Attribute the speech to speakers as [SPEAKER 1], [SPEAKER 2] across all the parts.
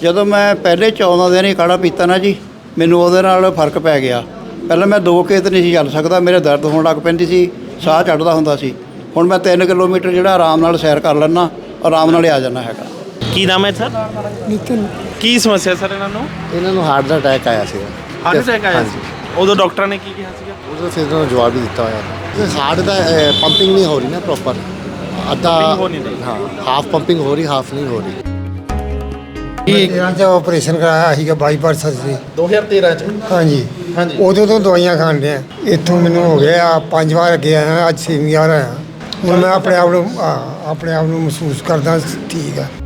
[SPEAKER 1] ਜਦੋਂ ਮੈਂ ਪਹਿਲੇ 14 ਦਿਨ ਹੀ ਕਾੜਾ ਪੀਤਾ ਨਾ ਜੀ, ਮੈਨੂੰ ਉਹਦੇ ਨਾਲ ਫਰਕ ਪੈ ਗਿਆ। ਪਹਿਲਾਂ ਮੈਂ 2 ਖੇਤ ਨਹੀਂ ਸੀ ਚੱਲ ਸਕਦਾ, ਮੇਰੇ ਦਰਦ ਹੋਣ ਲੱਗ ਪੈਂਦੀ ਸੀ, ਸਾਹ ਚੜ੍ਹਦਾ ਹੁੰਦਾ ਸੀ। ਹੁਣ ਮੈਂ 3 ਕਿਲੋਮੀਟਰ ਜਿਹੜਾ ਆਰਾਮ ਨਾਲ ਸੈਰ ਕਰ ਲੈਂਦਾ, ਆਰਾਮ ਨਾਲ ਹੀ ਆ ਜਾਂਦਾ ਹੈਗਾ।
[SPEAKER 2] ਕੀ ਨਾਮ ਹੈ ਸਰ?
[SPEAKER 3] ਨਿਤਿਨ।
[SPEAKER 2] ਕੀ ਸਮੱਸਿਆ ਸਰ
[SPEAKER 3] ਇਹਨਾਂ ਨੂੰ ਹਾਰਟ ਦਾ ਅਟੈਕ ਆਇਆ ਸੀਗਾ।
[SPEAKER 2] ਹਾਰਟ ਅਟੈਕ ਆਇਆ ਸੀ? ਉਦੋਂ ਡਾਕਟਰਾਂ ਨੇ ਕੀ ਕਿਹਾ ਸੀਗਾ?
[SPEAKER 3] ਉਦੋਂ ਫਿਰ ਇਹਨਾਂ ਨੂੰ ਜਵਾਬ ਵੀ ਦਿੱਤਾ ਹੋਇਆ। ਹਾਰਟ ਦਾ ਪੰਪਿੰਗ ਨਹੀਂ ਹੋ ਰਹੀ ਨਾ ਪ੍ਰੋਪਰ, ਅੱਧਾ ਹਾਂ, ਹਾਫ ਪੰਪਿੰਗ ਹੋ ਰਹੀ, ਹਾਫ ਨਹੀਂ ਹੋ ਰਹੀ।
[SPEAKER 4] ਇਹਨਾਂ 'ਚ ਆਪਰੇਸ਼ਨ ਕਰਾਇਆ ਸੀਗਾ ਬਾਈਪਾਸ ਸਰਜਰੀ
[SPEAKER 2] 2013 ਚ।
[SPEAKER 4] ਹਾਂਜੀ। ਉਦੋਂ ਤੋਂ ਦਵਾਈਆਂ ਖਾਣ ਡਿਆ। ਇੱਥੋਂ ਮੈਨੂੰ ਹੋ ਗਿਆ 5 ਵਾਰ ਅੱਗੇ ਆਇਆ, ਅੱਜ 6ਵੀਂ ਵਾਰ ਆਇਆ। ਹੁਣ ਮੈਂ ਆਪਣੇ ਆਪ ਨੂੰ ਮਹਿਸੂਸ ਕਰਦਾ ਠੀਕ ਆ।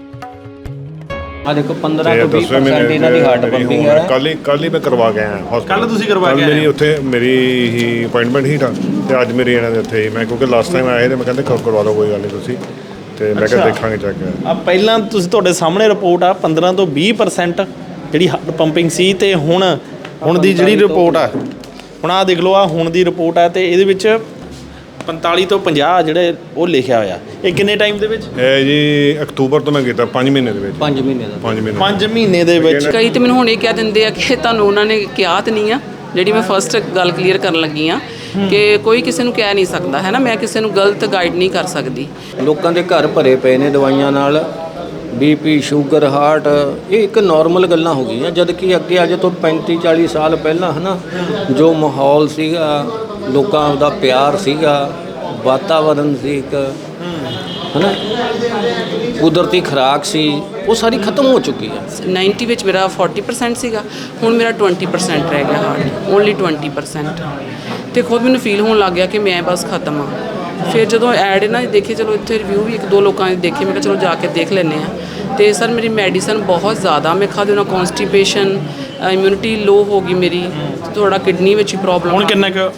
[SPEAKER 5] ਆ ਦੇਖੋ 15 ਤੋਂ 20% ਇਹਨਾਂ ਦੀ ਹਾਰਟ ਪੰਪਿੰਗ ਹੈ।
[SPEAKER 6] ਕੱਲ ਹੀ ਮੈਂ ਕਰਵਾ ਕੇ ਆਇਆ ਹਸਪਤਾਲ।
[SPEAKER 2] ਕੱਲ ਤੁਸੀਂ ਕਰਵਾ ਕੇ ਆਏ?
[SPEAKER 6] ਮੇਰੀ ਉੱਥੇ ਮੇਰੀ ਹੀ ਅਪਾਇੰਟਮੈਂਟ ਹੀ ਤਾਂ, ਤੇ ਅੱਜ ਮੇਰੀ ਇਹਨਾਂ ਦੇ ਉੱਥੇ ਹੀ ਮੈਂ, ਕਿਉਂਕਿ ਲਾਸਟ ਟਾਈਮ ਆਏ ਤੇ ਮੈਂ ਕਹਿੰਦੇ ਕਰਵਾ ਲਓ, ਕੋਈ ਗੱਲ ਨਹੀਂ ਤੁਸੀਂ, ਤੇ ਮੈਂ ਕਿਹਾ ਦੇਖਾਂਗੇ ਚੱਕ ਕੇ।
[SPEAKER 2] ਆ ਪਹਿਲਾਂ ਤੁਸੀਂ ਤੁਹਾਡੇ ਸਾਹਮਣੇ ਰਿਪੋਰਟ ਆ 15 ਤੋਂ 20% ਜਿਹੜੀ ਹਾਰਟ ਪੰਪਿੰਗ ਸੀ, ਤੇ ਹੁਣ ਦੀ ਜਿਹੜੀ ਰਿਪੋਰਟ ਆ, ਹੁਣ ਆ ਦੇਖ ਲਓ, ਆ ਹੁਣ ਦੀ ਰਿਪੋਰਟ ਆ, ਤੇ ਇਹਦੇ ਵਿੱਚ 45 ਤੋਂ 50 ਜਿਹੜੇ ਉਹ ਲਿਖਿਆ ਹੋਇਆ। ਇਹ ਕਿੰਨੇ ਟਾਈਮ ਦੇ ਵਿੱਚ?
[SPEAKER 6] ਇਹ ਜੀ ਅਕਤੂਬਰ ਤੋਂ ਮੈਂ ਕੀਤਾ 5 ਮਹੀਨੇ ਦੇ ਵਿੱਚ।
[SPEAKER 5] 5 ਮਹੀਨੇ ਦਾ
[SPEAKER 2] 5 ਮਹੀਨੇ ਦੇ ਵਿੱਚ।
[SPEAKER 7] ਕਈ ਤੇ ਮੈਨੂੰ ਹੁਣ ਇਹ ਕਹਿ ਦਿੰਦੇ ਆ ਕਿ ਤੁਹਾਨੂੰ ਉਹਨਾਂ ਨੇ ਕਿਹਾ ਤਾਂ ਨਹੀਂ ਆ। ਜਿਹੜੀ ਮੈਂ ਫਸਟ ਗੱਲ ਕਲੀਅਰ ਕਰਨ ਲੱਗੀ ਆ ਕਿ ਕੋਈ ਕਿਸੇ ਨੂੰ ਕਹਿ ਨਹੀਂ ਸਕਦਾ ਹੈ ਨਾ, ਮੈਂ ਕਿਸੇ ਨੂੰ ਗਲਤ ਗਾਈਡ ਨਹੀਂ ਕਰ ਸਕਦੀ।
[SPEAKER 5] ਲੋਕਾਂ ਦੇ ਘਰ ਭਰੇ ਪਏ ਨੇ ਦਵਾਈਆਂ ਨਾਲ, ਬੀਪੀ, ਸ਼ੂਗਰ, ਹਾਰਟ, ਇਹ ਇੱਕ ਨਾਰਮਲ ਗੱਲਾਂ ਹੋ ਗਈਆਂ। ਜਦ ਕਿ ਅੱਗੇ ਅੱਜ ਤੋਂ 35-40 ਸਾਲ ਪਹਿਲਾਂ ਹੈ ਨਾ, ਜੋ ਮਾਹੌਲ ਸੀਗਾ, ਲੋਕਾਂ ਦਾ ਪਿਆਰ ਸੀਗਾ, ਵਾਤਾਵਰਨ ਸੀ ਇੱਕ, ਹੈ ਨਾ, ਕੁਦਰਤੀ ਖੁਰਾਕ ਸੀ, ਉਹ ਸਾਰੀ ਖਤਮ ਹੋ ਚੁੱਕੀ ਹੈ।
[SPEAKER 7] 90 ਵਿੱਚ ਮੇਰਾ 40% ਸੀਗਾ, ਹੁਣ ਮੇਰਾ 20% ਰਹਿ ਗਿਆ ਹਾਰਟ, ਓਨਲੀ 20%। ਤੇ ਖੁਦ ਮੈਨੂੰ ਫੀਲ ਹੋਣ ਲੱਗ ਗਿਆ ਕਿ ਮੈਂ ਬਸ ਖਤਮ ਆ। ਫਿਰ ਜਦੋਂ ਐਡ ਨਾ ਦੇਖੇ, ਚਲੋ ਇੱਥੇ ਰਿਵਿਊ ਵੀ 1-2 ਲੋਕਾਂ ਨੇ ਦੇਖੇ, ਮੈਂ ਕਿਹਾ ਚਲੋ ਜਾ ਕੇ ਦੇਖ ਲੈਂਦੇ ਹਾਂ। ਤੇ ਸਰ ਮੇਰੀ ਮੈਡੀਸਨ ਬਹੁਤ ਜ਼ਿਆਦਾ ਮੈਂ ਖਾਦੇ ਉਹਨਾਂ, ਕੌਨਸਟੀਪੇਸ਼ਨ, ਇਮਿਊਨਿਟੀ ਲੋ ਹੋ ਗਈ ਮੇਰੀ, ਥੋੜਾ ਕਿਡਨੀ ਵਿੱਚ ਹੀ ਪ੍ਰੋਬਲਮ।
[SPEAKER 2] ਹੁਣ ਕਿੰਨਾ ਕੁ?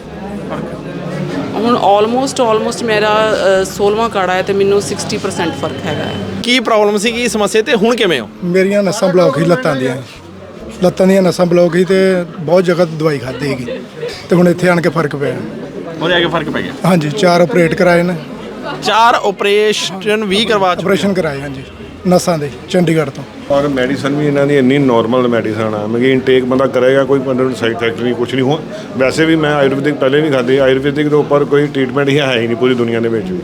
[SPEAKER 7] ਹੁਣ ਆਲਮੋਸਟ ਮੇਰਾ 16ਵਾਂ ਕਾੜਾ ਹੈ ਤੇ ਮੈਨੂੰ 60% ਫਰਕ ਹੈਗਾ ਹੈ।
[SPEAKER 2] ਕੀ ਪ੍ਰੋਬਲਮ ਸੀ, ਕੀ ਸਮੱਸਿਆ, ਤੇ ਹੁਣ ਕਿਵੇਂ ਹੋ?
[SPEAKER 4] ਮੇਰੀਆਂ ਨਸਾਂ ਬਲੌਕ ਹੀ ਲੱਤਾਂ ਦੀਆਂ ਨਸਾਂ ਬਲੌਕ ਹੀ, ਤੇ ਬਹੁਤ ਜਗ੍ਹਾ ਦਵਾਈ ਖਾਧੀ ਹੈਗੀ, ਤੇ ਹੁਣ ਇੱਥੇ ਆਣ ਕੇ ਫਰਕ ਪਿਆ।
[SPEAKER 2] ਉਹਦੇ ਆ ਕੇ ਫਰਕ ਪੈ ਗਿਆ?
[SPEAKER 4] ਹਾਂਜੀ, 4 ਆਪਰੇਟ ਕਰਾਏ ਨੇ।
[SPEAKER 2] 4 ਆਪਰੇਸ਼ਨ ਵੀ ਕਰਵਾ ਚੁੱਕੇ?
[SPEAKER 4] ਆਪਰੇਸ਼ਨ ਕਰਾਏ ਹਾਂਜੀ, ਨਸਾਂ ਦੇ, ਚੰਡੀਗੜ੍ਹ ਤੋਂ।
[SPEAKER 6] ਔਰ ਮੈਡੀਸਨ ਵੀ ਇਹਨਾਂ ਦੀ ਇੰਨੀ ਨਾਰਮਲ ਮੈਡੀਸਨ ਆ, ਮੈਂ ਕਿ ਇਨਟੇਕ ਬੰਦਾ ਕਰੇਗਾ, ਕੋਈ ਸਾਈਡ ਇਫੈਕਟ ਨਹੀਂ, ਕੁਛ ਨਹੀਂ ਹੋ। ਵੈਸੇ ਵੀ ਮੈਂ ਆਯੁਰਵੈਦਿਕ ਪਹਿਲੇ ਵੀ ਖਾਧੀ, ਆਯੁਰਵੈਦਿਕ ਦੇ ਉੱਪਰ ਕੋਈ ਟ੍ਰੀਟਮੈਂਟ ਹੀ ਹੈ ਹੀ ਨਹੀਂ ਪੂਰੀ ਦੁਨੀਆ ਦੇ ਵਿੱਚ ਵੀ।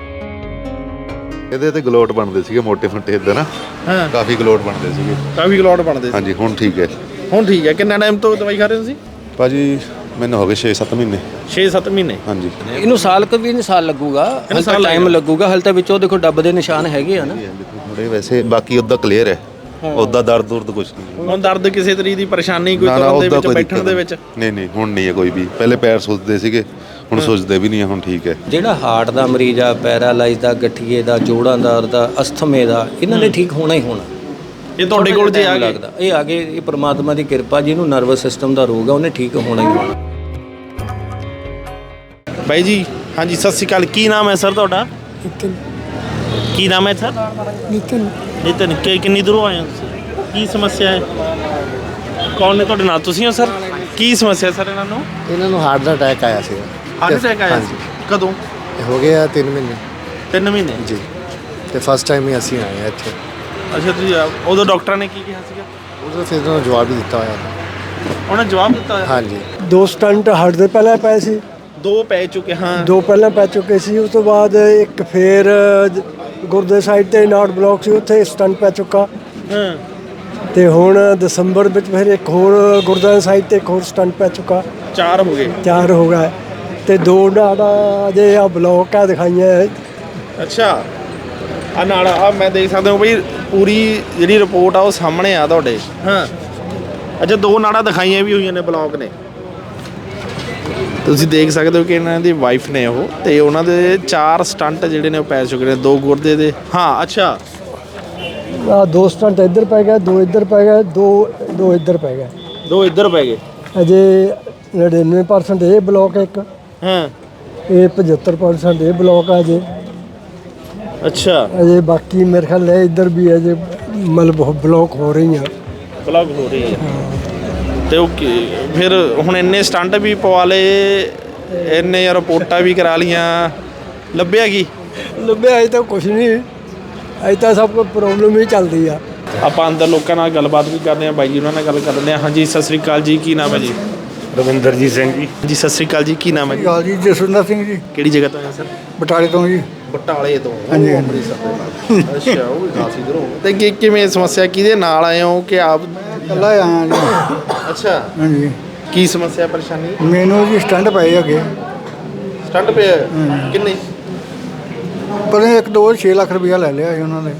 [SPEAKER 8] ਇਹਦੇ ਤੇ ਗਲੋਟ ਬਣਦੇ ਸੀਗੇ, ਮੋਟੇ ਫੁੱਟੇ ਇੱਦਾਂ ਨਾ, ਕਾਫੀ ਗਲੋਟ ਬਣਦੇ ਸੀਗੇ।
[SPEAKER 2] ਕਾਫੀ ਗਲੋਟ ਬਣਦੇ ਸੀ?
[SPEAKER 8] ਹਾਂਜੀ, ਹੁਣ ਠੀਕ ਹੈ।
[SPEAKER 2] ਹੁਣ ਠੀਕ ਹੈ। ਕਿੰਨਾ ਟਾਈਮ ਤੋਂ ਦਵਾਈ ਖਾ ਰਹੇ ਹੋ ਤੁਸੀਂ?
[SPEAKER 8] ਭਾਜੀ ਮੈਨੂੰ ਹੋ ਗਏ 6-7 ਮਹੀਨੇ।
[SPEAKER 2] 6-7 ਮਹੀਨੇ?
[SPEAKER 8] ਹਾਂਜੀ।
[SPEAKER 5] ਇਹਨੂੰ ਸਾਲ ਕੁ ਵੀ ਨਹੀਂ, ਸਾਲ ਲੱਗੂਗਾ, ਹਲ ਤਾਂ ਟਾਈਮ ਲੱਗੂਗਾ। ਹਲ ਤਾਂ ਵਿੱਚੋਂ ਦੇਖੋ ਡੱਬ ਦੇ ਨਿਸ਼ਾਨ ਹੈਗੇ ਆ ਨਾ
[SPEAKER 8] ਥੋੜੇ, ਵੈਸੇ ਬਾਕੀ ਉੱਦਾਂ ਕਲੀਅਰ ਹੈ, ਉੱਦਾਂ ਦਰਦ ਕੁਛ ਨਹੀਂ।
[SPEAKER 2] ਹੁਣ ਦਰਦ ਕਿਸੇ ਤਰੀਕੇ ਦੀ ਪਰੇਸ਼ਾਨੀ ਕੋਈ ਤੁਰਨ ਦੇ ਵਿੱਚ, ਬੈਠਣ ਦੇ ਵਿੱਚ?
[SPEAKER 8] ਨਹੀਂ, ਹੁਣ ਨਹੀਂ ਹੈ ਕੋਈ ਵੀ। ਪਹਿਲੇ ਪੈਰ ਸੁੱਜਦੇ ਸੀਗੇ, ਹੁਣ ਸੁੱਜਦੇ ਵੀ ਨਹੀਂ, ਹੁਣ ਠੀਕ ਹੈ।
[SPEAKER 5] ਜਿਹੜਾ ਹਾਰਟ ਦਾ ਮਰੀਜ਼ ਆ, ਪੈਰਾਲਾਈਜ਼ ਦਾ, ਗਠੀਏ ਦਾ, ਜੋੜਾਂ ਦਾ, ਅਸਥਮੇ ਦਾ, ਇਹਨਾਂ ਨੇ ਠੀਕ ਹੋਣਾ ਹੀ ਹੋਣਾ।
[SPEAKER 2] ਇਹ ਤੁਹਾਡੇ ਕੋਲ ਜੇ ਆ
[SPEAKER 5] ਲੱਗਦਾ ਇਹ ਆ ਗਏ, ਇਹ ਪ੍ਰਮਾਤਮਾ ਦੀ ਕਿਰਪਾ। ਜਿਹਨੂੰ ਨਰਵਸ ਸਿਸਟਮ ਦਾ ਰੋਗ ਆ, ਉਹਨੇ ਠੀਕ ਹੋਣਾ ਹੀ ਹੋਣਾ।
[SPEAKER 2] ਬਾਈ ਜੀ, ਹਾਂਜੀ, ਸਤਿ ਸ਼੍ਰੀ ਅਕਾਲ। ਕੀ ਨਾਮ ਹੈ ਸਰ ਤੁਹਾਡਾ?
[SPEAKER 4] ਨਿਤਿਨ।
[SPEAKER 2] ਕੀ ਨਾਮ ਹੈ ਸਰ?
[SPEAKER 4] ਨਿਤਿਨ।
[SPEAKER 2] ਨਿਤਿਨ। ਕਿੰਨੀ ਦੂਰੋਂ ਆਏ ਹੋ ਤੁਸੀਂ? ਕੀ ਸਮੱਸਿਆ ਹੈ? ਕੌਣ ਨੇ ਤੁਹਾਡੇ ਨਾਲ? ਤੁਸੀਂ ਹੋ ਸਰ? ਕੀ ਸਮੱਸਿਆ ਸਰ ਇਹਨਾਂ ਨੂੰ?
[SPEAKER 3] ਇਹਨਾਂ ਨੂੰ ਹਾਰਟ ਦਾ ਅਟੈਕ ਆਇਆ ਸੀਗਾ।
[SPEAKER 2] ਹਾਰਟ ਅਟੈਕ ਆਇਆ ਸੀ? ਕਦੋਂ?
[SPEAKER 3] ਹੋ ਗਿਆ 3 ਮਹੀਨੇ।
[SPEAKER 2] 3 ਮਹੀਨੇ
[SPEAKER 3] ਜੀ। ਤੇ ਫਸਟ ਟਾਈਮ ਹੀ ਅਸੀਂ ਆਏ ਹਾਂ ਇੱਥੇ।
[SPEAKER 2] ਅੱਛਾ, ਤੁਸੀਂ ਉਦੋਂ ਡਾਕਟਰਾਂ ਨੇ ਕੀ ਕਿਹਾ ਸੀਗਾ?
[SPEAKER 3] ਉਦੋਂ ਫਿਰ ਇਹਨਾਂ ਨੂੰ ਜਵਾਬ ਵੀ ਦਿੱਤਾ ਹੋਇਆ।
[SPEAKER 2] ਉਹਨਾਂ ਜਵਾਬ ਦਿੱਤਾ ਹੋਇਆ?
[SPEAKER 3] ਹਾਂਜੀ।
[SPEAKER 4] 2 ਸਟੰਟ ਹਾਰਟ ਦੇ ਪਹਿਲਾਂ ਪਏ ਸੀ,
[SPEAKER 2] 2 ਪੈ ਚੁੱਕੇ? ਹਾਂ,
[SPEAKER 4] 2 ਪਹਿਲਾਂ ਪੈ ਚੁੱਕੇ ਸੀ। ਉਸ ਤੋਂ ਬਾਅਦ ਇੱਕ ਫੇਰ ਗੁਰਦੇ ਸਾਈਡ ਤੇ ਨਾਟ ਬਲੌਕ ਸੀ, ਉੱਥੇ ਸਟੰਟ ਪੈ ਚੁੱਕਾ।
[SPEAKER 2] ਹਾਂ।
[SPEAKER 4] ਤੇ ਹੁਣ ਦਸੰਬਰ ਵਿੱਚ ਫਿਰ ਇੱਕ ਹੋਰ ਗੁਰਦੇ ਸਾਈਡ ਤੇ ਇੱਕ ਹੋਰ ਸਟੰਟ ਪੈ ਚੁੱਕਾ।
[SPEAKER 2] 4 ਹੋ ਗਏ?
[SPEAKER 4] 4 ਹੋ ਗਏ, ਤੇ 2 ਨਾੜਾਂ ਜੇ ਆ ਬਲੌਕ ਆ ਦਿਖਾਈਆਂ।
[SPEAKER 2] ਅੱਛਾ, ਆ ਨਾਲ ਆ ਮੈਂ ਦੇਖ ਸਕਦਾ ਹਾਂ ਬਈ, ਪੂਰੀ ਜਿਹੜੀ ਰਿਪੋਰਟ ਆ ਉਹ ਸਾਹਮਣੇ ਆ ਤੁਹਾਡੇ। ਹਾਂ। ਅੱਛਾ, 2 ਨਾੜਾਂ ਦਿਖਾਈਆਂ ਵੀ ਹੋਈਆਂ ਨੇ, ਬਲੌਕ ਨੇ। ਤੁਸੀਂ ਦੇਖ ਸਕਦੇ ਹੋ ਕਿ ਇਹਨਾਂ ਦੀ ਵਾਈਫ ਨੇ ਉਹ, ਤੇ ਉਹਨਾਂ ਦੇ 4 ਸਟੰਟ ਜਿਹੜੇ ਨੇ ਉਹ ਪੈ ਚੁੱਕੇ ਨੇ, 2 ਗੁਰਦੇ ਦੇ। ਹਾਂ। ਅੱਛਾ,
[SPEAKER 4] 2 ਸਟੰਟ ਇੱਧਰ ਪੈ ਗਏ, 2 ਇੱਧਰ ਪੈ ਗਏ, 2 ਇੱਧਰ ਪੈ ਗਏ।
[SPEAKER 2] 2 ਇੱਧਰ ਪੈ ਗਏ।
[SPEAKER 4] ਅਜੇ 99% ਇਹ ਬਲੌਕ ਇੱਕ।
[SPEAKER 2] ਹਾਂ।
[SPEAKER 4] ਇਹ 75% ਇਹ ਬਲੌਕ ਆ ਅਜੇ।
[SPEAKER 2] ਅੱਛਾ।
[SPEAKER 4] ਅਜੇ ਬਾਕੀ ਮੇਰੇ ਖਿਆਲ ਹੈ ਇੱਧਰ ਵੀ ਅਜੇ ਮਤਲਬ ਬਲੌਕ ਹੋ ਰਹੀਆਂ।
[SPEAKER 2] ਬਲੌਕ ਹੋ ਰਹੀ ਹੈ। ਤੇ ਉਹ ਫਿਰ ਹੁਣ ਇੰਨੇ ਸਟੰਟ ਵੀ ਪਵਾ ਲਏ, ਇੰਨੇ ਰਿਪੋਰਟਾਂ ਵੀ ਕਰਾ ਲੀਆਂ, ਲੱਭਿਆ ਕੀ?
[SPEAKER 4] ਲੱਭਿਆ ਅਜੇ ਤਾਂ ਕੁਛ ਨਹੀਂ, ਅਜੇ ਤਾਂ ਸਭ ਕੁਝ ਪ੍ਰੋਬਲਮ ਹੀ ਚੱਲਦੀ ਆ।
[SPEAKER 2] ਆਪਾਂ ਅੰਦਰ ਲੋਕਾਂ ਨਾਲ ਗੱਲਬਾਤ ਵੀ ਕਰਦੇ ਹਾਂ, ਬਾਈ ਜੀ ਉਹਨਾਂ ਨਾਲ ਗੱਲ ਕਰਦੇ ਹਾਂ। ਹਾਂਜੀ ਸਤਿ ਸ੍ਰੀ ਅਕਾਲ ਜੀ, ਕੀ ਨਾਮ ਹੈ ਜੀ?
[SPEAKER 9] ਰਵਿੰਦਰਜੀਤ ਸਿੰਘ ਜੀ।
[SPEAKER 2] ਜੀ ਸਤਿ ਸ੍ਰੀ ਅਕਾਲ ਜੀ, ਕੀ ਨਾਮ ਹੈ ਜੀ?
[SPEAKER 4] ਜੀ ਜਸਵਿੰਦਰ ਸਿੰਘ ਜੀ,
[SPEAKER 2] ਕਿਹੜੀ ਜਗ੍ਹਾ ਤੋਂ ਆਏ ਸਰ?
[SPEAKER 4] ਬਟਾਲੇ ਤੋਂ ਜੀ।
[SPEAKER 2] ਬਟਾਲੇ ਤੋਂ?
[SPEAKER 4] ਹਾਂਜੀ,
[SPEAKER 2] ਅੱਛਾ, ਉਹ ਵੀ ਖਾਸੀ ਦੂਰੋਂ। ਤੇ ਕਿਵੇਂ ਸਮੱਸਿਆ, ਕਿਹਦੇ ਨਾਲ ਆਏ ਹੋ ਕਿ ਆਪ?
[SPEAKER 4] ਇਕੱਲਾ ਆਇਆ ਜੀ।
[SPEAKER 2] ਅੱਛਾ,
[SPEAKER 4] ਹਾਂਜੀ,
[SPEAKER 2] ਕੀ ਸਮੱਸਿਆ ਪਰੇਸ਼ਾਨੀ?
[SPEAKER 4] ਮੈਨੂੰ ਜੀ ਸਟੰਟ ਪਏ ਅੱਗੇ।
[SPEAKER 2] ਸਟੰਟ ਪਿਆ? ਕਿੰਨੇ?
[SPEAKER 4] ਪਰ 1-2 6 ਲੱਖ ਰੁਪਇਆ ਲੈ ਲਿਆ ਜੀ ਉਹਨਾਂ ਨੇ।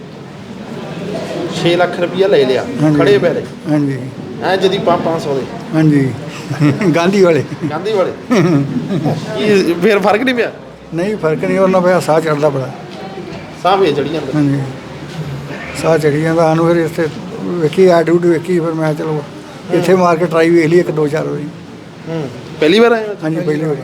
[SPEAKER 2] 6 ਲੱਖ ਰੁਪਇਆ ਲੈ ਲਿਆ
[SPEAKER 4] ਹਾਂਜੀ।
[SPEAKER 2] ਖੜੇ ਪੈਰੇ?
[SPEAKER 4] ਹਾਂਜੀ
[SPEAKER 2] ਐ ਜਦੀ 500 ਦੇ?
[SPEAKER 4] ਹਾਂਜੀ ਗਾਂਧੀ ਵਾਲੇ।
[SPEAKER 2] ਗਾਂਧੀ ਵਾਲੇ? ਕੀ ਫੇਰ ਫਰਕ ਨਹੀਂ ਪਿਆ?
[SPEAKER 4] ਨਹੀਂ ਫਰਕ ਨਹੀਂ, ਉਹਨਾਂ ਪਿਆ ਸਾਹ ਚੜਦਾ ਬੜਾ।
[SPEAKER 2] ਸਾਹ ਵੇ ਚੜੀ ਜਾਂਦਾ?
[SPEAKER 4] ਹਾਂਜੀ, ਸਾਹ ਚੜੀ ਜਾਂਦਾ ਸਾਨੂੰ। ਫਿਰ ਇੱਥੇ ਵੇਖੀ ਐਡ ਉਡ ਵੇਖੀ, ਫਿਰ ਮੈਂ ਚਲੋ ਇੱਥੇ ਮਾਰ ਕੇ ਟਰਾਈ ਵੇਖ ਲਈ 1-2-4 ਵਾਰੀ।
[SPEAKER 2] ਪਹਿਲੀ ਵਾਰ ਆਏ ਹੋ?
[SPEAKER 4] ਹਾਂਜੀ, ਪਹਿਲੀ ਵਾਰੀ।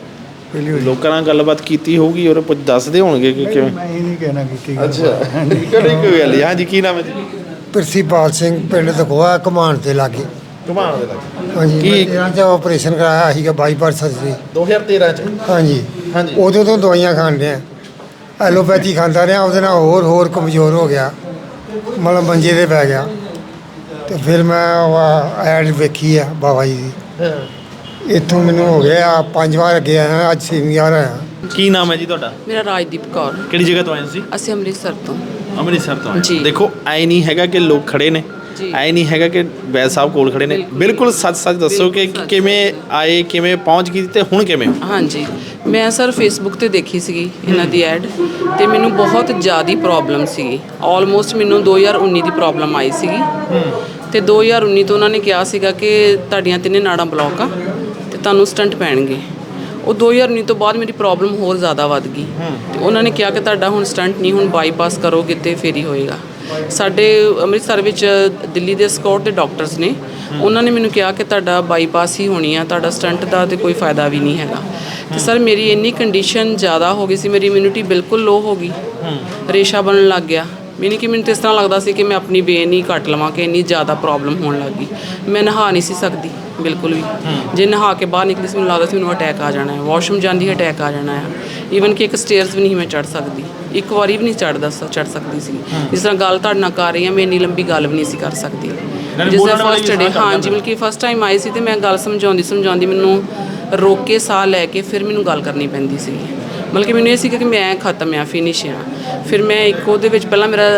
[SPEAKER 2] ਲੋਕਾਂ ਨਾਲ ਗੱਲਬਾਤ ਕੀਤੀ ਹੋਊਗੀ ਔਰ ਕੁਝ ਦੱਸਦੇ ਹੋਣਗੇ ਕਿ ਕਿਵੇਂ?
[SPEAKER 4] ਮੈਂ ਇਹ ਨਹੀਂ ਕਹਿਣਾ ਕੀਤੀ।
[SPEAKER 2] ਅੱਛਾ, ਕਿਹੜੀ ਕੋਈ ਗੱਲ? ਹਾਂਜੀ, ਕੀ ਨਾਮ ਹੈ ਜੀ?
[SPEAKER 10] ਪ੍ਰਿੰਸੀਪਾਲ ਸਿੰਘ, ਪਿੰਡ ਦਖੋਆ, ਘਮਾਣ ਦੇ ਲਾਗੇ।
[SPEAKER 2] ਘੁਮਾਣ ਦੇ ਲੱਗੇ?
[SPEAKER 10] ਹਾਂਜੀ,
[SPEAKER 2] ਕੀ?
[SPEAKER 10] 13 ਚ ਆਪਰੇਸ਼ਨ ਕਰਾਇਆ ਸੀਗਾ ਬਾਈਪਾਸ ਸਰਜਰੀ।
[SPEAKER 2] 2013 ਚ?
[SPEAKER 10] ਹਾਂਜੀ
[SPEAKER 2] ਹਾਂਜੀ।
[SPEAKER 10] ਉਦੋਂ ਤੋਂ ਦਵਾਈਆਂ ਖਾਣ ਡਿਆ, ਐਲੋਪੈਥੀ ਖਾਂਦਾ ਰਿਹਾ, ਉਹਦੇ ਨਾਲ ਹੋਰ ਕਮਜ਼ੋਰ ਹੋ ਗਿਆ, ਮਤਲਬ ਮੰਜੇ 'ਤੇ ਪੈ ਗਿਆ। ਤੇ ਫਿਰ ਮੈਂ ਐਡ ਵੇਖੀ ਆ ਬਾਬਾ ਜੀ ਦੀ। ਇੱਥੋਂ ਮੈਨੂੰ ਹੋ ਗਿਆ 5 ਵਾਰ ਅੱਗੇ ਆਇਆ, ਅੱਜ 6ਵੀਂ ਵਾਰ ਆਇਆ।
[SPEAKER 2] ਕੀ ਨਾਮ ਹੈ ਜੀ ਤੁਹਾਡਾ?
[SPEAKER 7] ਮੇਰਾ ਰਾਜਦੀਪ ਕੌਰ।
[SPEAKER 2] ਕਿਹੜੀ ਜਗ੍ਹਾ ਤੋਂ ਆਏ ਸੀ?
[SPEAKER 7] ਅਸੀਂ ਅੰਮ੍ਰਿਤਸਰ ਤੋਂ।
[SPEAKER 2] ਅੰਮ੍ਰਿਤਸਰ ਤੋਂ ਆਏ।
[SPEAKER 7] ਜੀ।
[SPEAKER 2] ਦੇਖੋ ਐ ਨਹੀਂ ਹੈਗਾ ਕਿ ਲੋਕ ਖੜੇ ਨੇ,
[SPEAKER 7] ਜੀ।
[SPEAKER 2] ਐ ਨਹੀਂ ਹੈਗਾ ਕਿ ਵੈਦ ਸਾਹਿਬ ਕੋਲ ਖੜੇ ਨੇ। ਬਿਲਕੁਲ ਸੱਚ ਦੱਸੋ ਕਿ ਕਿਵੇਂ ਆਏ, ਕਿਵੇਂ ਪਹੁੰਚ ਗਈ ਤੇ ਹੁਣ ਕਿਵੇਂ?
[SPEAKER 7] ਹਾਂਜੀ, ਮੈਂ ਸਰ ਫੇਸਬੁੱਕ ਤੇ ਦੇਖੀ ਸੀਗੀ ਇਹਨਾਂ ਦੀ ਐਡ, ਤੇ ਮੈਨੂੰ ਬਹੁਤ ਜ਼ਿਆਦਾ ਪ੍ਰੋਬਲਮ ਸੀਗੀ। ਆਲਮੋਸਟ ਮੈਨੂੰ 2019 ਦੀ ਪ੍ਰੋਬਲਮ ਆਈ ਸੀਗੀ, ਤੇ 2019 ਤੋਂ ਉਹਨਾਂ ਨੇ ਕਿਹਾ ਸੀਗਾ ਕਿ ਤੁਹਾਡੀਆਂ 3 ਨਾੜਾਂ ਬਲੌਕ ਆ ਤੇ ਤੁਹਾਨੂੰ ਸਟੰਟ ਪੈਣਗੇ। ਉਹ 2019 ਤੋਂ ਬਾਅਦ ਮੇਰੀ ਪ੍ਰੋਬਲਮ ਹੋਰ ਜ਼ਿਆਦਾ ਵੱਧ ਗਈ, ਤੇ ਉਹਨਾਂ ਨੇ ਕਿਹਾ ਕਿ ਤੁਹਾਡਾ ਹੁਣ ਸਟੰਟ ਨਹੀਂ, ਹੁਣ ਬਾਈਪਾਸ ਕਰੋਗੇ ਤੇ ਫੇਰ ਹੀ ਹੋਏਗਾ। ਸਾਡੇ ਅੰਮ੍ਰਿਤਸਰ ਵਿੱਚ ਦਿੱਲੀ ਦੇ ਸਕਾਟ ਦੇ ਡਾਕਟਰਸ ਨੇ, ਉਹਨਾਂ ਨੇ ਮੈਨੂੰ ਕਿਹਾ ਕਿ ਤੁਹਾਡਾ ਬਾਈਪਾਸ ਹੀ ਹੋਣੀ ਆ, ਤੁਹਾਡਾ ਸਟੰਟ ਦਾ ਤੇ ਕੋਈ ਫਾਇਦਾ ਵੀ ਨਹੀਂ ਹੈਗਾ। ਤੇ ਸਰ ਮੇਰੀ ਇੰਨੀ ਕੰਡੀਸ਼ਨ ਜ਼ਿਆਦਾ ਹੋ ਗਈ ਸੀ, ਮੇਰੀ ਇਮਿਊਨਿਟੀ ਬਿਲਕੁਲ ਲੋ ਹੋ ਗਈ, ਰੇਸ਼ਾ ਬਣਨ ਲੱਗ ਗਿਆ। ਮੈਨੂੰ ਤਾਂ ਇਸ ਤਰ੍ਹਾਂ ਲੱਗਦਾ ਸੀ ਕਿ ਮੈਂ ਆਪਣੀ ਵੇਨ ਹੀ ਕੱਟ ਲਵਾਂ, ਕਿ ਇੰਨੀ ਜ਼ਿਆਦਾ ਪ੍ਰੋਬਲਮ ਹੋਣ ਲੱਗ ਗਈ। ਮੈਂ ਨਹਾ ਨਹੀਂ ਸੀ ਸਕਦੀ ਬਿਲਕੁਲ ਵੀ। ਜੇ ਨਹਾ ਕੇ ਬਾਹਰ ਨਿਕਲੀ ਸੀ ਮੈਨੂੰ ਲੱਗਦਾ ਸੀ ਮੈਨੂੰ ਅਟੈਕ ਆ ਜਾਣਾ ਹੈ, ਵਾਸ਼ਰੂਮ ਜਾਂਦੀ ਅਟੈਕ ਆ ਜਾਣਾ ਹੈ। ਈਵਨ ਕਿ ਇੱਕ ਸਟੇਅਰਸ ਵੀ ਨਹੀਂ ਮੈਂ ਚੜ੍ਹ ਸਕਦੀ, ਇੱਕ ਵਾਰੀ ਵੀ ਨਹੀਂ ਚੜ੍ਹ ਸਕਦੀ ਸੀ। ਜਿਸ ਤਰ੍ਹਾਂ ਗੱਲ ਤੁਹਾਡੇ ਨਾਲ ਕਰ ਰਹੀ ਹਾਂ, ਮੈਂ ਇੰਨੀ ਲੰਬੀ ਗੱਲ ਵੀ ਨਹੀਂ ਸੀ ਕਰ ਸਕਦੀ। ਜਿਸ ਤਰ੍ਹਾਂ ਫਸਟ ਡੇ, ਹਾਂਜੀ, ਬਲਕਿ ਫਸਟ ਟਾਈਮ ਆਈ ਸੀ ਤੇ ਮੈਂ ਗੱਲ ਸਮਝਾਉਂਦੀ ਮੈਨੂੰ ਰੋਕ ਕੇ ਸਾਹ ਲੈ ਕੇ ਫਿਰ ਮੈਨੂੰ ਗੱਲ ਕਰਨੀ ਪੈਂਦੀ ਸੀ। ਬਲਕਿ ਮੈਨੂੰ ਇਹ ਸੀ ਕਿ ਮੈਂ ਖਤਮ ਆ, ਫਿਨਿਸ਼ ਆ। ਫਿਰ ਮੈਂ ਇੱਕ ਉਹਦੇ ਵਿੱਚ ਪਹਿਲਾਂ ਮੇਰਾ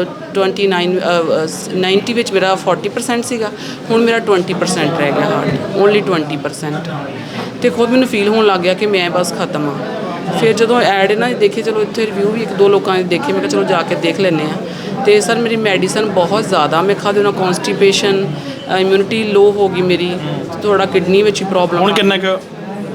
[SPEAKER 7] 90 ਵਿੱਚ ਮੇਰਾ 40% ਸੀਗਾ, ਹੁਣ ਮੇਰਾ 20% ਰਹਿ ਗਿਆ ਹਾਰਟ, ਓਨਲੀ 20%। ਅਤੇ ਖੁਦ ਮੈਨੂੰ ਫੀਲ ਹੋਣ ਲੱਗ ਗਿਆ ਕਿ ਮੈਂ ਬਸ ਖਤਮ ਆ। ਫਿਰ ਜਦੋਂ ਐਡ ਨਾ ਦੇਖੇ, ਚਲੋ ਇੱਥੇ ਰਿਵਿਊ ਵੀ 1-2 ਲੋਕਾਂ ਨੇ ਦੇਖੇ, ਮੈਂ ਕਿਹਾ ਚਲੋ ਜਾ ਕੇ ਦੇਖ ਲੈਂਦੇ ਹਾਂ। ਅਤੇ ਸਰ ਮੇਰੀ ਮੈਡੀਸਨ ਬਹੁਤ ਜ਼ਿਆਦਾ ਮੈਂ ਖਾਦੇ ਨਾਲ, ਕੌਨਸਟੀਪੇਸ਼ਨ, ਇਮਿਊਨਿਟੀ ਲੋ ਹੋ ਗਈ ਮੇਰੀ, ਥੋੜਾ ਕਿਡਨੀ ਵਿੱਚ ਵੀ ਪ੍ਰੋਬਲਮ।
[SPEAKER 2] ਹੁਣ ਕਿੰਨਾ ਕੁ?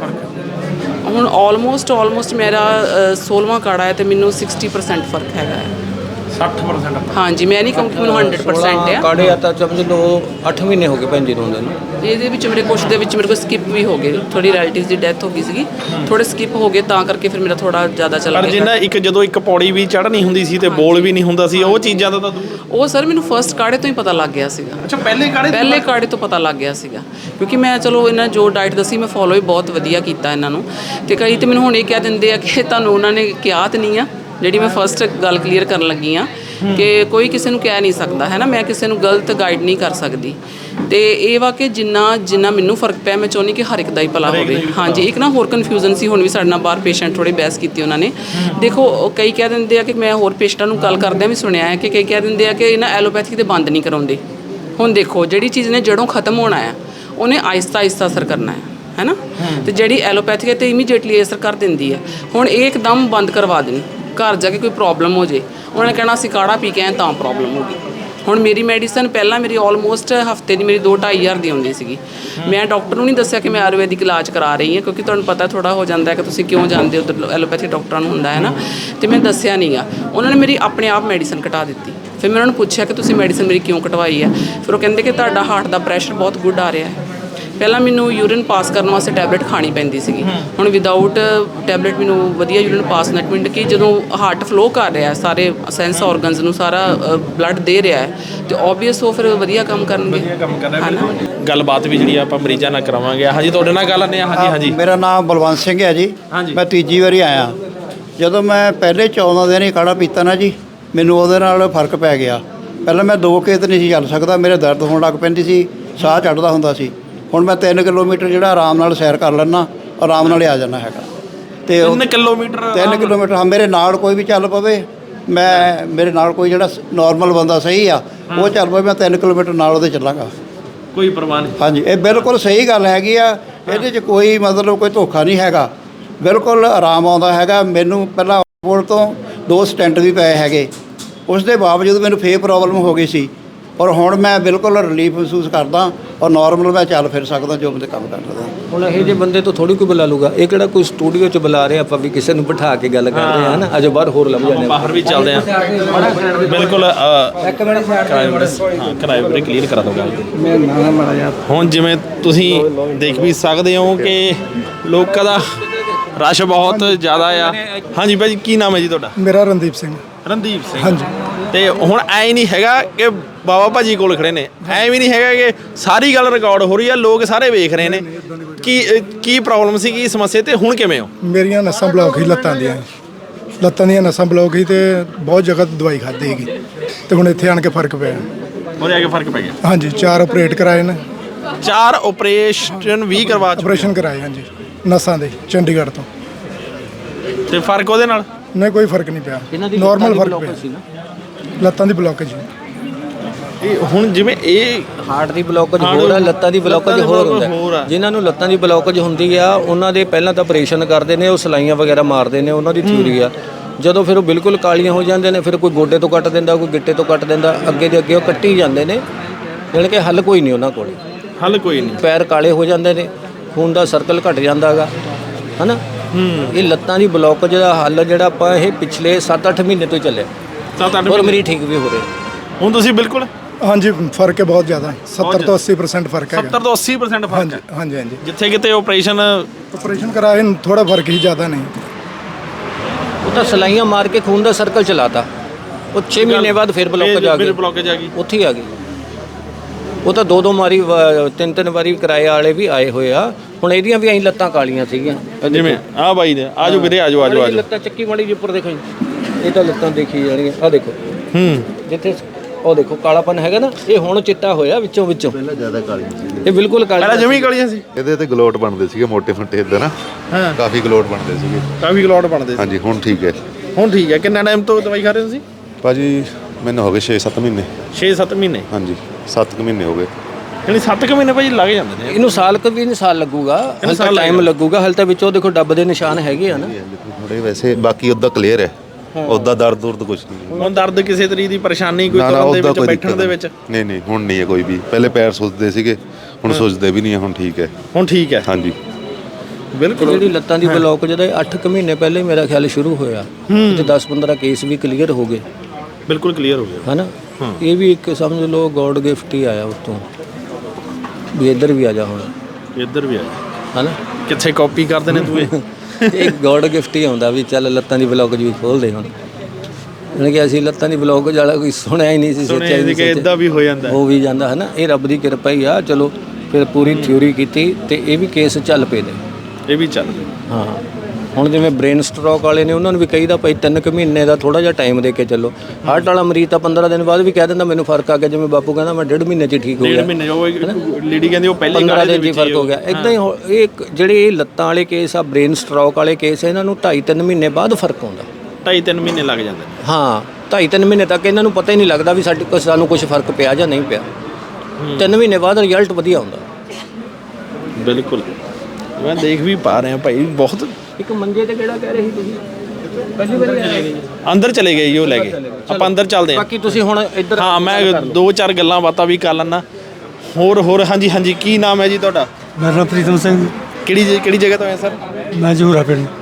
[SPEAKER 7] ਹੁਣ ਆਲਮੋਸਟ ਮੇਰਾ 16ਵਾਂ ਕਾੜਾ ਹੈ, ਅਤੇ ਮੈਨੂੰ 60% ਫਰਕ ਹੈਗਾ ਹੈ।
[SPEAKER 2] 60%?
[SPEAKER 7] ਹਾਂਜੀ, ਮੈਂ ਨਹੀਂ ਕਹੂੰਗੀ ਮੈਨੂੰ 100% ਆ।
[SPEAKER 5] ਕਾੜੇ ਆ ਤਾਂ ਸਮਝ ਲਓ 8 ਮਹੀਨੇ ਹੋ ਗਏ ਭੈਣ ਜੀ ਨੂੰ ਹੁੰਦੇ ਨੂੰ।
[SPEAKER 7] ਇਹਦੇ ਵਿੱਚ ਮੇਰੇ ਕੁਛ ਦੇ ਵਿੱਚ ਮੇਰੇ ਕੋਲ ਸਕਿਪ ਵੀ ਹੋ ਗਏ, ਥੋੜੀ ਰਿਲੇਟਿਵਸ ਦੀ ਡੈਥ ਹੋ ਗਈ ਸੀਗੀ, ਥੋੜੇ ਸਕਿਪ ਹੋ ਗਏ, ਤਾਂ ਕਰਕੇ ਫਿਰ ਮੇਰਾ ਥੋੜਾ ਜ਼ਿਆਦਾ ਚੱਲ ਗਿਆ।
[SPEAKER 2] ਪਰ ਜਿੰਨਾ ਜਦੋਂ ਇੱਕ ਪੌੜੀ ਵੀ ਚੜ੍ਹਨੀ ਹੁੰਦੀ ਸੀ ਤੇ ਬੋਲ ਵੀ ਨਹੀਂ ਹੁੰਦਾ ਸੀ, ਉਹ ਚੀਜ਼ਾਂ ਦਾ ਤਾਂ
[SPEAKER 7] ਉਹ ਸਰ ਮੈਨੂੰ ਫਸਟ ਕਾੜੇ ਤੋਂ ਹੀ ਪਤਾ ਲੱਗ ਗਿਆ ਸੀਗਾ।
[SPEAKER 2] ਅੱਛਾ, ਪਹਿਲੇ ਕਾੜੇ
[SPEAKER 7] ਤੋਂ ਪਤਾ ਲੱਗ ਗਿਆ ਸੀਗਾ, ਕਿਉਂਕਿ ਮੈਂ ਚਲੋ ਇਹਨਾਂ ਜੋ ਡਾਈਟ ਦੱਸੀ ਮੈਂ ਫੋਲੋ ਹੀ ਬਹੁਤ ਵਧੀਆ ਕੀਤਾ ਇਹਨਾਂ ਨੂੰ। ਤੇ ਕਈ ਤੇ ਮੈਨੂੰ ਹੁਣ ਇਹ ਕਹਿ ਦਿੰਦੇ ਆ ਕਿ ਤੁਹਾਨੂੰ ਉਹਨਾਂ ਨੇ ਕਿਹਾ ਤਾਂ ਨਹੀਂ ਆ, ਜਿਹੜੀ ਮੈਂ ਫਸਟ ਗੱਲ ਕਲੀਅਰ ਕਰਨ ਲੱਗੀ ਆ ਕਿ ਕੋਈ ਕਿਸੇ ਨੂੰ ਕਹਿ ਨਹੀਂ ਸਕਦਾ ਹੈ ਨਾ, ਮੈਂ ਕਿਸੇ ਨੂੰ ਗਲਤ ਗਾਈਡ ਨਹੀਂ ਕਰ ਸਕਦੀ। ਤੇ ਇਹ ਵਾ ਕਿ ਜਿੰਨਾ ਮੈਨੂੰ ਫਰਕ ਪਿਆ, ਮੈਂ ਚਾਹੁੰਦੀ ਕਿ ਹਰ ਇੱਕ ਦਾ ਹੀ ਭਲਾ ਹੋਵੇ। ਹਾਂਜੀ, ਇੱਕ ਨਾ ਹੋਰ ਕਨਫਿਊਜ਼ਨ ਸੀ, ਹੁਣ ਵੀ ਸਾਡੇ ਨਾਲ ਬਾਹਰ ਪੇਸ਼ੈਂਟ ਥੋੜੇ ਬਹਿਸ ਕੀਤੀ ਉਹਨਾਂ ਨੇ। ਦੇਖੋ ਕਈ ਕਹਿ ਦਿੰਦੇ ਆ ਕਿ ਮੈਂ ਹੋਰ ਪੇਸ਼ੈਂਟਾਂ ਨੂੰ ਗੱਲ ਕਰਦਿਆਂ ਵੀ ਸੁਣਿਆ ਹੈ ਕਿ ਕਈ ਕਹਿ ਦਿੰਦੇ ਆ ਕਿ ਇਹਨਾਂ ਐਲੋਪੈਥਿਕ ਦੇ ਬੰਦ ਨਹੀਂ ਕਰਾਉਂਦੇ। ਹੁਣ ਦੇਖੋ, ਜਿਹੜੀ ਚੀਜ਼ ਨੇ ਜੜੋਂ ਖਤਮ ਹੋਣਾ ਆ, ਉਹਨੇ ਆਹਿਸਤਾ ਅਸਰ ਕਰਨਾ ਹੈ ਨਾ। ਤੇ ਜਿਹੜੀ ਐਲੋਪੈਥਿਕ ਹੈ ਤੇ ਇਮੀਡੀਏਟਲੀ ਅਸਰ ਕਰ ਦਿੰਦੀ ਹੈ। ਹੁਣ ਇਹ ਇੱਕਦਮ ਬੰਦ ਕਰਵਾ ਦੇਣ, ਘਰ ਜਾ ਕੇ ਕੋਈ ਪ੍ਰੋਬਲਮ ਹੋ ਜੇ, ਉਹਨਾਂ ਨੇ ਕਹਿਣਾ ਅਸੀਂ ਕਾੜਾ ਪੀ ਕੇ ਆਏ ਤਾਂ ਪ੍ਰੋਬਲਮ ਹੋ ਗਈ। ਹੁਣ ਮੇਰੀ ਮੈਡੀਸਨ ਪਹਿਲਾਂ ਮੇਰੀ ਆਲਮੋਸਟ ਹਫਤੇ ਦੀ ਮੇਰੀ 2-2.5 ਹਜ਼ਾਰ ਦੀ ਆਉਂਦੀ ਸੀਗੀ। ਮੈਂ ਡਾਕਟਰ ਨੂੰ ਨਹੀਂ ਦੱਸਿਆ ਕਿ ਮੈਂ ਆਯੁਰਵੈਦਿਕ ਇਲਾਜ ਕਰਾ ਰਹੀ ਹਾਂ, ਕਿਉਂਕਿ ਤੁਹਾਨੂੰ ਪਤਾ ਥੋੜਾ ਹੋ ਜਾਂਦਾ ਕਿ ਤੁਸੀਂ ਕਿਉਂ ਜਾਂਦੇ ਉੱਧਰ, ਐਲੋਪੈਥਿਕ ਡਾਕਟਰਾਂ ਨੂੰ ਹੁੰਦਾ ਹੈ ਨਾ। ਤੇ ਮੈਂ ਦੱਸਿਆ ਨਹੀਂ ਆ, ਉਹਨਾਂ ਨੇ ਮੇਰੀ ਆਪਣੇ ਆਪ ਮੈਡੀਸਨ ਘਟਾ ਦਿੱਤੀ। ਫਿਰ ਮੈਂ ਉਹਨਾਂ ਨੂੰ ਪੁੱਛਿਆ ਕਿ ਤੁਸੀਂ ਮੈਡੀਸਨ ਮੇਰੀ ਕਿਉਂ ਘਟਵਾਈ ਹੈ? ਫਿਰ ਉਹ ਕਹਿੰਦੇ ਕਿ ਤੁਹਾਡਾ ਹਾਰਟ ਦਾ ਪ੍ਰੈਸ਼ਰ ਬਹੁਤ ਗੁੱਡ ਆ ਰਿਹਾ ਹੈ। ਪਹਿਲਾਂ ਮੈਨੂੰ ਯੂਰਿਨ ਪਾਸ ਕਰਨ ਵਾਸਤੇ ਟੈਬਲੇਟ ਖਾਣੀ ਪੈਂਦੀ ਸੀਗੀ, ਹੁਣ ਵਿਦਆਊਟ ਟੈਬਲੇਟ ਮੈਨੂੰ ਵਧੀਆ ਯੂਰਿਨ ਪਾਸ ਨੈਟ ਮਿੰਟ ਕਿ ਜਦੋਂ ਹਾਰਟ ਫਲੋ ਕਰ ਰਿਹਾ, ਸਾਰੇ ਸੈਂਸ ਆਰਗਨਸ ਨੂੰ ਸਾਰਾ ਬਲੱਡ ਦੇ ਰਿਹਾ ਹੈ, ਤੇ ਓਬਵੀਅਸ ਉਹ ਫਿਰ ਵਧੀਆ ਕੰਮ ਕਰਨਗੇ।
[SPEAKER 2] ਗੱਲਬਾਤ ਵੀ ਜਿਹੜੀ ਆਪਾਂ ਮਰੀਜ਼ਾਂ ਨਾਲ ਕਰਾਵਾਂਗੇ। ਹਾਂਜੀ, ਤੁਹਾਡੇ ਨਾਲ ਗੱਲ ਆਨੇ। ਹਾਂਜੀ,
[SPEAKER 1] ਮੇਰਾ ਨਾਮ ਬਲਵੰਤ ਸਿੰਘ ਹੈ ਜੀ। ਮੈਂ ਤੀਜੀ ਵਾਰੀ ਆਇਆ। ਜਦੋਂ ਮੈਂ ਪਹਿਲੇ 14 ਦਿਨ ਹੀ ਕਾੜਾ ਪੀਤਾ ਨਾ ਜੀ, ਮੈਨੂੰ ਉਹਦੇ ਨਾਲ ਫਰਕ ਪੈ ਗਿਆ। ਪਹਿਲਾਂ ਮੈਂ 2 ਖੇਤ ਨਹੀਂ ਸੀ ਚੱਲ ਸਕਦਾ, ਮੇਰੇ ਦਰਦ ਹੋਣ ਲੱਗ ਪੈਂਦੀ ਸੀ, ਸਾਹ ਚੜ੍ਹਦਾ ਹੁੰਦਾ ਸੀ। ਹੁਣ ਮੈਂ 3 ਕਿਲੋਮੀਟਰ ਜਿਹੜਾ ਆਰਾਮ ਨਾਲ ਸੈਰ ਕਰ ਲੈਂਦਾ, ਆਰਾਮ ਨਾਲ ਹੀ ਆ ਜਾਂਦਾ ਹੈਗਾ। ਤੇ
[SPEAKER 2] 3 ਕਿਲੋਮੀਟਰ
[SPEAKER 1] 3 ਕਿਲੋਮੀਟਰ ਹਾਂ, ਮੇਰੇ ਨਾਲ ਕੋਈ ਵੀ ਚੱਲ ਪਵੇ, ਮੇਰੇ ਨਾਲ ਕੋਈ ਜਿਹੜਾ ਨਾਰਮਲ ਬੰਦਾ ਸਹੀ ਆ ਉਹ ਚੱਲ ਪਵੇ, ਮੈਂ 3 ਕਿਲੋਮੀਟਰ ਨਾਲ ਉਹਦੇ ਚੱਲਾਂਗਾ,
[SPEAKER 2] ਕੋਈ ਪਰਵਾਹ ਨਹੀਂ।
[SPEAKER 1] ਹਾਂਜੀ, ਇਹ ਬਿਲਕੁਲ ਸਹੀ ਗੱਲ ਹੈਗੀ ਆ। ਇਹਦੇ 'ਚ ਕੋਈ ਮਤਲਬ ਕੋਈ ਧੋਖਾ ਨਹੀਂ ਹੈਗਾ, ਬਿਲਕੁਲ ਆਰਾਮ ਆਉਂਦਾ ਹੈਗਾ। ਮੈਨੂੰ ਪਹਿਲਾਂ ਕੋਲ ਤੋਂ 2 ਸਟੈਂਟ ਵੀ ਪਏ ਹੈਗੇ, ਉਸ ਦੇ ਬਾਵਜੂਦ ਮੈਨੂੰ ਫੇਰ ਪ੍ਰੋਬਲਮ ਹੋ ਗਈ ਸੀ, ਔਰ ਹੁਣ ਮੈਂ ਬਿਲਕੁਲ ਰਿਲੀਫ ਮਹਿਸੂਸ ਕਰਦਾ ਔਰ ਨਾਰਮਲ ਮੈਂ ਚੱਲ ਫਿਰ ਸਕਦਾ, ਜੋ ਬੰਦੇ ਕੰਮ ਕਰ ਸਕਦਾ।
[SPEAKER 5] ਹੁਣ ਇਹ ਜਿਹੇ ਬੰਦੇ ਤੋਂ ਥੋੜੀ ਕੋਈ ਬੁਲਾ ਲੂਗਾ, ਇਹ ਕਿਹੜਾ ਕੋਈ ਸਟੂਡੀਓ 'ਚ ਬੁਲਾ ਰਹੇ ਆਪਾਂ ਵੀ ਕਿਸੇ ਨੂੰ ਬਿਠਾ ਕੇ ਗੱਲ ਕਰ ਰਹੇ ਹਾਂ ਨਾ, ਅਜੇ ਬਾਹਰ ਹੋਰ ਲੱਭ ਜਾਂਦੇ
[SPEAKER 2] ਬਾਹਰ ਵੀ ਚੱਲਦੇ ਆ ਬਿਲਕੁਲ। ਕਿਰਾਏ ਬਾਰੇ ਕਲੀਅਰ ਕਰਾ ਦੋ ਗੱਲ। ਹੁਣ ਜਿਵੇਂ ਤੁਸੀਂ ਦੇਖ ਵੀ ਸਕਦੇ ਹੋ ਕਿ ਲੋਕਾਂ ਦਾ ਰਸ਼ ਬਹੁਤ ਜ਼ਿਆਦਾ ਆ। ਹਾਂਜੀ ਭਾਜੀ, ਕੀ ਨਾਮ ਹੈ ਜੀ ਤੁਹਾਡਾ?
[SPEAKER 10] ਮੇਰਾ ਰਣਦੀਪ ਸਿੰਘ।
[SPEAKER 2] ਰਣਦੀਪ ਸਿੰਘ, ਹਾਂਜੀ। ਤੇ ਹੁਣ ਐ ਨਹੀਂ ਹੈਗਾ ਕਿ ਬਾਬਾ ਭਾਜੀ ਕੋਲ ਖੜੇ ਨੇ, ਐ ਵੀ ਨਹੀਂ ਹੈਗਾ ਕਿ ਸਾਰੀ ਗੱਲ ਰਿਕਾਰਡ ਹੋ ਰਹੀ ਆ, ਲੋਕ ਸਾਰੇ ਵੇਖ ਰਹੇ ਨੇ। ਕੀ ਪ੍ਰੋਬਲਮ ਸੀ, ਕੀ ਸਮੱਸਿਆ, ਤੇ ਹੁਣ ਕਿਵੇਂ ਹੋ?
[SPEAKER 10] ਮੇਰੀਆਂ ਨਸਾਂ ਬਲੌਕ ਹੀ ਲੱਤਾਂ ਦੀਆਂ ਨਸਾਂ ਬਲੌਕ ਹੀ, ਤੇ ਬਹੁਤ ਜਗ੍ਹਾ ਦਵਾਈ ਖਾਧੀ ਹੈਗੀ, ਤੇ ਹੁਣ ਇੱਥੇ ਆਣ ਕੇ ਫਰਕ ਪਿਆ।
[SPEAKER 2] ਉਹਦੇ ਆ ਕੇ ਫਰਕ ਪੈ ਗਿਆ?
[SPEAKER 10] ਹਾਂਜੀ, 4 ਆਪਰੇਟ ਕਰਾਏ ਨੇ।
[SPEAKER 2] 4 ਆਪਰੇਸ਼ਨ ਵੀ ਕਰਵਾ ਚੁੱਕੇ?
[SPEAKER 10] ਆਪਰੇਸ਼ਨ ਕਰਾਏ, ਹਾਂਜੀ, ਨਸਾਂ ਦੇ, ਚੰਡੀਗੜ੍ਹ ਤੋਂ।
[SPEAKER 2] ਤੇ ਫਰਕ ਉਹਦੇ ਨਾਲ?
[SPEAKER 10] ਨਹੀਂ, ਕੋਈ ਫਰਕ ਨਹੀਂ ਪਿਆ, ਨਾਰਮਲ ਫਰਕ ਪਿਆ। ਲੱਤਾਂ ਦੀ ਬਲੌਕੇਜ।
[SPEAKER 2] ਇਹ ਹੁਣ ਜਿਵੇਂ ਇਹ
[SPEAKER 5] ਹਾਰਟ ਦੀ ਬਲੌਕੇਜ ਹੋਰ ਆ, ਲੱਤਾਂ ਦੀ ਬਲੌਕੇਜ ਹੋਰ ਹੁੰਦਾ। ਜਿਨ੍ਹਾਂ ਨੂੰ ਲੱਤਾਂ ਦੀ ਬਲੌਕੇਜ ਹੁੰਦੀ ਆ ਉਹਨਾਂ ਦੇ ਪਹਿਲਾਂ ਤਾਂ ਆਪਰੇਸ਼ਨ ਕਰਦੇ ਨੇ, ਉਹ ਸਲਾਈਆਂ ਵਗੈਰਾ ਮਾਰਦੇ ਨੇ, ਉਹਨਾਂ ਦੀ ਥਿਊਰੀ ਆ। ਜਦੋਂ ਫਿਰ ਉਹ ਬਿਲਕੁਲ ਕਾਲੀਆਂ ਹੋ ਜਾਂਦੇ ਨੇ, ਫਿਰ ਕੋਈ ਗੋਡੇ ਤੋਂ ਕੱਟ ਦਿੰਦਾ, ਕੋਈ ਗਿੱਟੇ ਤੋਂ ਕੱਟ ਦਿੰਦਾ, ਅੱਗੇ ਦੇ ਅੱਗੇ ਉਹ ਕੱਟੀ ਜਾਂਦੇ ਨੇ, ਜਾਣੀ ਕਿ ਹੱਲ ਕੋਈ ਨਹੀਂ ਉਹਨਾਂ ਕੋਲ।
[SPEAKER 2] ਹੱਲ ਕੋਈ ਨਹੀਂ।
[SPEAKER 5] ਪੈਰ ਕਾਲੇ ਹੋ ਜਾਂਦੇ ਨੇ, ਖੂਨ ਦਾ ਸਰਕਲ ਘਟ ਜਾਂਦਾ ਹੈਗਾ, ਹੈ ਨਾ। ਇਹ ਲੱਤਾਂ ਦੀ ਬਲੌਕੇਜ ਦਾ ਹੱਲ ਜਿਹੜਾ ਆਪਾਂ ਇਹ ਪਿਛਲੇ 7-8 ਮਹੀਨੇ ਤੋਂ ਹੀ ਚੱਲਿਆ।
[SPEAKER 2] 7-8
[SPEAKER 5] ਔਰ ਮੇਰੀ ਠੀਕ ਵੀ ਹੋ ਰਹੇ।
[SPEAKER 2] ਹੁਣ ਤੁਸੀਂ ਬਿਲਕੁਲ?
[SPEAKER 10] ਹਾਂਜੀ, ਫਰਕ ਹੈ ਬਹੁਤ ਜ਼ਿਆਦਾ, 70 ਤੋਂ 80% ਫਰਕ ਹੈ।
[SPEAKER 2] 70 ਤੋਂ 80% ਫਰਕ?
[SPEAKER 10] ਹਾਂਜੀ ਹਾਂਜੀ ਹਾਂਜੀ।
[SPEAKER 2] ਜਿੱਥੇ ਕਿਤੇ ਆਪਰੇਸ਼ਨ
[SPEAKER 10] ਕਰਾਏ ਥੋੜਾ ਫਰਕ ਹੀ, ਜ਼ਿਆਦਾ ਨਹੀਂ।
[SPEAKER 5] ਉਹ ਤਾਂ ਸਲਾਈਆਂ ਮਾਰ ਕੇ ਖੂਨ ਦਾ ਸਰਕਲ ਚਲਾਤਾ, ਉਹ 6 ਮਹੀਨੇ ਬਾਅਦ ਫਿਰ ਬਲੌਕੇਜ ਆ ਗਈ, ਉੱਥੇ ਹੀ ਆ ਗਈ। ਉਹ ਤਾਂ 2-2 ਵਾਰੀ 3-3 ਵਾਰੀ ਕਿਰਾਏ ਵਾਲੇ ਵੀ ਆਏ ਹੋਏ ਆ। ਹੁਣ ਇਹਦੀਆਂ ਵੀ ਐਂ ਲੱਤਾਂ ਕਾਲੀਆਂ ਸੀਗੀਆਂ,
[SPEAKER 2] ਜਿਵੇਂ ਆਹ ਬਾਈ ਨੇ। ਆਜੋ ਵੀਰੇ, ਆਜੋ।
[SPEAKER 5] ਲੱਤਾਂ ਚੱਕੀ ਵਾਲੀ ਜੀ ਉੱਪਰ ਦੇਖੋ ਜੀ, ਇਹ ਤਾਂ ਲੱਤਾਂ ਦੇਖੀ ਜਾਣਗੀਆਂ। ਆਹ ਦੇਖੋ, ਜਿੱਥੇ ਉਹ ਦੇਖੋ ਕਾਲਾਪਨ ਹੈਗਾ ਨਾ, ਇਹ ਹੁਣ ਚਿੱਟਾ ਹੋਇਆ ਵਿੱਚੋਂ।
[SPEAKER 8] ਪਹਿਲਾਂ ਜ਼ਿਆਦਾ ਕਾਲੀਆਂ ਸੀ,
[SPEAKER 5] ਇਹ ਬਿਲਕੁਲ ਕਾਲੀਆਂ,
[SPEAKER 2] ਪਹਿਲਾਂ ਜਮੀ ਕਾਲੀਆਂ ਸੀ।
[SPEAKER 8] ਇਹਦੇ ਤੇ ਗਲੋਟ ਬਣਦੇ ਸੀਗੇ, ਮੋਟੇ ਫੁੱਟੇ ਇਦਾਂ ਨਾ, ਕਾਫੀ ਗਲੋਟ ਬਣਦੇ ਸੀਗੇ। ਹਾਂਜੀ, ਹੁਣ ਠੀਕ ਹੈ।
[SPEAKER 2] ਹੁਣ ਠੀਕ ਹੈ। ਕਿੰਨਾ ਟਾਈਮ ਤੋਂ ਦਵਾਈ ਖਾ ਰਹੇ ਹੋ ਤੁਸੀਂ?
[SPEAKER 8] ਭਾਜੀ ਮੈਨੂੰ ਹੋ ਗਏ 6-7 ਮਹੀਨੇ।
[SPEAKER 2] 6-7 ਮਹੀਨੇ?
[SPEAKER 8] ਹਾਂਜੀ, 7 ਮਹੀਨੇ ਹੋ ਗਏ।
[SPEAKER 2] ਯਾਨੀ 7 ਮਹੀਨੇ ਭਾਜੀ ਲੱਗ ਜਾਂਦੇ ਨੇ
[SPEAKER 5] ਇਹਨੂੰ। ਸਾਲ ਵੀ ਨਹੀਂ, ਸਾਲ ਲੱਗੂਗਾ, ਹਲ ਤਾਂ ਟਾਈਮ ਲੱਗੂਗਾ। ਹਲ ਤਾਂ ਵਿੱਚੋਂ ਦੇਖੋ ਡੱਬ ਦੇ ਨਿਸ਼ਾਨ ਹੈਗੇ ਆ ਨਾ
[SPEAKER 8] ਥੋੜੇ, ਵੈਸੇ ਬਾਕੀ ਉੱਦਾਂ ਕਲੀਅਰ ਹੈ, ਉੱਦਾਂ ਦਰਦ ਕੁਝ ਨਹੀਂ।
[SPEAKER 2] ਹੁਣ ਦਰਦ ਕਿਸੇ ਤਰੀਕੇ ਦੀ ਪਰੇਸ਼ਾਨੀ ਕੋਈ ਕਰਨ ਦੇ ਵਿੱਚ, ਬੈਠਣ ਦੇ ਵਿੱਚ?
[SPEAKER 8] ਨਹੀਂ, ਹੁਣ ਨਹੀਂ ਹੈ ਕੋਈ ਵੀ। ਪਹਿਲੇ ਪੈਰ ਸੁੱਜਦੇ ਸੀਗੇ, ਹੁਣ ਸੁੱਜਦੇ ਵੀ ਨਹੀਂ ਹੈ, ਹੁਣ ਠੀਕ ਹੈ।
[SPEAKER 2] ਹੁਣ ਠੀਕ ਹੈ?
[SPEAKER 8] ਹਾਂਜੀ
[SPEAKER 2] ਬਿਲਕੁਲ।
[SPEAKER 5] ਜਿਹੜੀ ਲੱਤਾਂ ਦੀ ਬਲੌਕ ਜਿਹਦਾ 8 ਮਹੀਨੇ ਪਹਿਲੇ ਮੇਰਾ ਖਿਆਲ ਸ਼ੁਰੂ ਹੋਇਆ, ਤੇ 10-15 ਕੇਸ ਵੀ ਕਲੀਅਰ ਹੋ ਗਏ।
[SPEAKER 2] ਬਿਲਕੁਲ ਕਲੀਅਰ ਹੋ ਗਿਆ,
[SPEAKER 5] ਹੈ ਨਾ। ਇਹ ਵੀ ਇੱਕ ਸਮਝ ਲਓ ਗੋਡ ਗਿਫਟ ਹੀ ਆਇਆ ਉੱਤੋਂ, ਵੀ ਇੱਧਰ ਵੀ ਆ ਜਾ, ਹੁਣ
[SPEAKER 2] ਇੱਧਰ ਵੀ ਆ
[SPEAKER 5] ਹੈ ਨਾ।
[SPEAKER 2] ਕਿੱਥੇ ਕਾਪੀ ਕਰਦੇ ਨੇ ਤੂੰ?
[SPEAKER 5] ਇਹ ਗੋਡ ਗਿਫਟ ਹੀ ਆਉਂਦਾ ਵੀ ਚੱਲ ਲੱਤਾਂ ਦੀ ਬਲੌਕੇਜ ਵੀ ਖੋਲ੍ਹਦੇ ਹੁਣ। ਯਾਨੀ ਕਿ ਅਸੀਂ ਲੱਤਾਂ ਦੀ ਬਲੌਕੇਜ ਵਾਲਾ ਕੋਈ ਸੁਣਿਆ ਹੀ ਨਹੀਂ ਸੀ, ਸੋਚਿਆ ਨਹੀਂ
[SPEAKER 2] ਕਿ ਇੱਦਾਂ ਵੀ ਹੋ ਜਾਂਦਾ,
[SPEAKER 5] ਹੋ ਵੀ ਜਾਂਦਾ, ਹੈ ਨਾ। ਇਹ ਰੱਬ ਦੀ ਕਿਰਪਾ ਹੀ ਆ। ਚਲੋ ਫਿਰ ਪੂਰੀ ਥਿਊਰੀ ਕੀਤੀ, ਤੇ ਇਹ ਵੀ ਕੇਸ ਚੱਲ ਪਏ ਨੇ।
[SPEAKER 2] ਇਹ ਵੀ ਚੱਲ ਪਏ,
[SPEAKER 5] ਹਾਂ। ਹੁਣ ਜਿਵੇਂ ਬ੍ਰੇਨ ਸਟ੍ਰੋਕ ਵਾਲੇ ਨੇ, ਉਹਨਾਂ ਨੂੰ ਵੀ ਕਹੀਦਾ ਭਾਈ 3 ਮਹੀਨੇ ਦਾ ਥੋੜਾ ਜਿਹਾ ਟਾਈਮ ਦੇ ਕੇ ਚੱਲੋ। ਹਾਰਟ ਵਾਲਾ ਮਰੀਜ਼ ਤਾਂ 15 ਦਿਨ ਬਾਅਦ ਵੀ ਕਹਿ ਦਿੰਦਾ ਮੈਨੂੰ ਫਰਕ ਆ ਗਿਆ। ਜਿਵੇਂ ਬਾਪੂ ਕਹਿੰਦਾ ਮੈਂ 1.5 ਮਹੀਨੇ 'ਚ ਠੀਕ ਹੋ ਗਿਆ।
[SPEAKER 2] 1.5 ਮਹੀਨੇ ਉਹ ਲੇਡੀ ਕਹਿੰਦੀ ਉਹ ਪਹਿਲੇ
[SPEAKER 5] 15 ਦਿਨ 'ਚ ਫਰਕ ਹੋ ਗਿਆ। ਇੱਦਾਂ ਹੀ ਇਹ ਜਿਹੜੇ ਇਹ ਲੱਤਾਂ ਵਾਲੇ ਕੇਸ ਆ, ਬ੍ਰੇਨ ਸਟ੍ਰੋਕ ਵਾਲੇ ਕੇਸ, ਇਹਨਾਂ ਨੂੰ 2.5-3 ਮਹੀਨੇ ਬਾਅਦ ਫਰਕ ਆਉਂਦਾ।
[SPEAKER 2] 2.5-3 ਮਹੀਨੇ ਲੱਗ ਜਾਂਦੇ?
[SPEAKER 5] ਹਾਂ, 2.5-3 ਮਹੀਨੇ ਤੱਕ ਇਹਨਾਂ ਨੂੰ ਪਤਾ ਹੀ ਨਹੀਂ ਲੱਗਦਾ ਵੀ ਸਾਨੂੰ ਕੁਝ ਫਰਕ ਪਿਆ ਜਾਂ ਨਹੀਂ ਪਿਆ। 3 ਮਹੀਨੇ ਬਾਅਦ ਰਿਜ਼ਲਟ ਵਧੀਆ ਆਉਂਦਾ।
[SPEAKER 2] ਬਿਲਕੁਲ, ਮੈਂ ਦੇਖ ਵੀ ਪਾ ਰਿਹਾ ਭਾਈ। ਬਹੁਤ
[SPEAKER 5] ਇੱਕ ਮੰਜੇ ਤੇ ਕਿਹੜਾ ਕਹਿ ਰਹੇ ਸੀ ਤੁਸੀਂ? ਪਹਿਲੀ ਵਾਰੀ ਆਏ?
[SPEAKER 2] ਅੰਦਰ ਚਲੇ ਗਏ ਜੀ ਉਹ ਲੈ ਕੇ। ਆਪਾਂ ਅੰਦਰ ਚੱਲਦੇ ਹਾਂ।
[SPEAKER 5] ਬਾਕੀ ਤੁਸੀਂ ਹੁਣ ਇੱਧਰ।
[SPEAKER 2] ਹਾਂ, ਮੈਂ 2-4 ਗੱਲਾਂ ਬਾਤਾਂ ਵੀ ਕਰ ਲੈਣਾ। ਹੋਰ ਹਾਂਜੀ। ਕੀ ਨਾਮ ਹੈ ਜੀ ਤੁਹਾਡਾ?
[SPEAKER 10] ਮੇਰਾ ਨਾਮ ਪ੍ਰੀਤਮ ਸਿੰਘ।
[SPEAKER 2] ਕਿਹੜੀ ਜਗ੍ਹਾ ਤੋਂ ਆਏ ਸਰ?
[SPEAKER 10] ਮੈਂ ਜਹੂਰਾ ਪਿੰਡ।